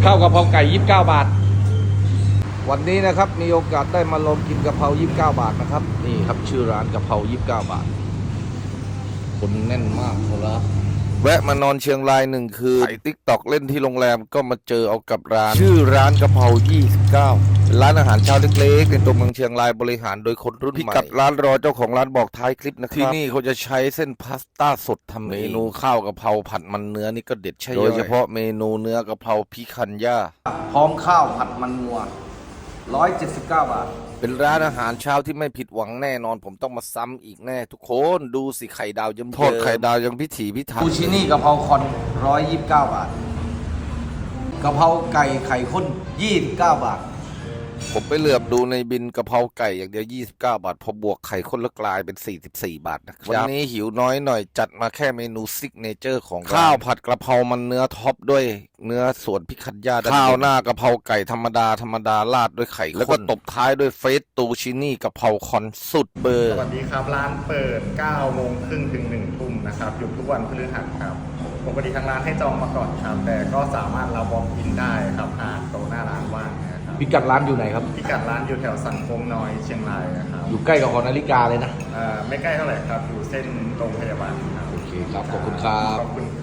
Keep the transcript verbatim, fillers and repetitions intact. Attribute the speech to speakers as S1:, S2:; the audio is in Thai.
S1: ข้าวกะเพราไก่ยี่สิบเก้าบาทวันนี้นะครับมีโอกาสได้มาลองกินกะเพรายี่สิบเก้าบาทนะครับนี่ครับชื่อร้านกะเพรายี่สิบเก้าบาทคนแน่นมากครับแวะมานอนเชียงรายหนึ่งคืนถ่ายติ๊กตอกเล่นที่โรงแรมก็มาเจอเอากับร้านชื่อร้านกะเพรายี่สิบเก้าเป็นร้านอาหารเช้าเล็กๆในตัวเมืองเชียงรายบริหารโดยคนรุ่นใหม่พิกัดร้านรอเจ้าของร้านบอกท้ายคลิปนะครับที่นี่เขาจะใช้เส้นพาสต้าสดทำเมนูข้าวกะเพราผัดมันเนื้อนี่ก็เด็ดใช่โดยเฉพาะเมนูเนื้อกะเพราพิคันย่าพร้อมข้าวผัดมันงัวร้อยเจ็ดสิบเก้าบาทเป็นร้านอาหารเช้าที่ไม่ผิดหวังแน่นอนผมต้องมาซ้ำอีกแน่ทุกคนดูสิไข่ดาวเยิ้มทอดไข่ดาวยังพิถีพิถันซูชินี่กะเพราคอนร้อยยี่สิบเก้าบาทกะเพราไก่ไข่ข้นยี่สิบเก้าบาทผมไปเหลือบดูในบินกะเพราไก่อย่างเดียวยี่สิบเก้าบาทพอบวกไข่ข้นแล้วกลายเป็นสี่สิบสี่บาทนะครับวันนี้หิวน้อยหน่อยจัดมาแค่เมนูซิกเนเจอร์ของข้าวผัดกะเพรามันเนื้อท็อปด้วยเนื้อส่วนพิคันย่าข้าวหน้ากะเพราไก่ธรรมดาธรรมดาราดด้วยไข่ข้นแล้วก็ตบท้ายด้วยเฟสตูชินี่กะเพราคอนสุดเบอร์
S2: สวัสดีครับร้านเปิดเก้าโมงครึ่งถึงหนึ่งทุ่มนะครับหยุดทุกวันพฤหัสครับปกติทางร้านให้จองมาก่อนครับแต่ก็สามารถเราบอกอินได้ครับหากโต๊ะหน้าร้านว่างนะครับ
S1: พิกัดร้านอยู่ไหนครับ
S2: พิกัดร้านอยู่แถวสันโค้งน้อยเชียงรายนะครับ
S1: อยู่ใกล้กับหอนาฬิกาเลยนะ
S2: ไม่ใกล้เท่าไหร่ครับอยู่เส้นโรงพยาบาลครับ
S1: โอเคครับขอบคุณครับ
S2: ขอบคุณ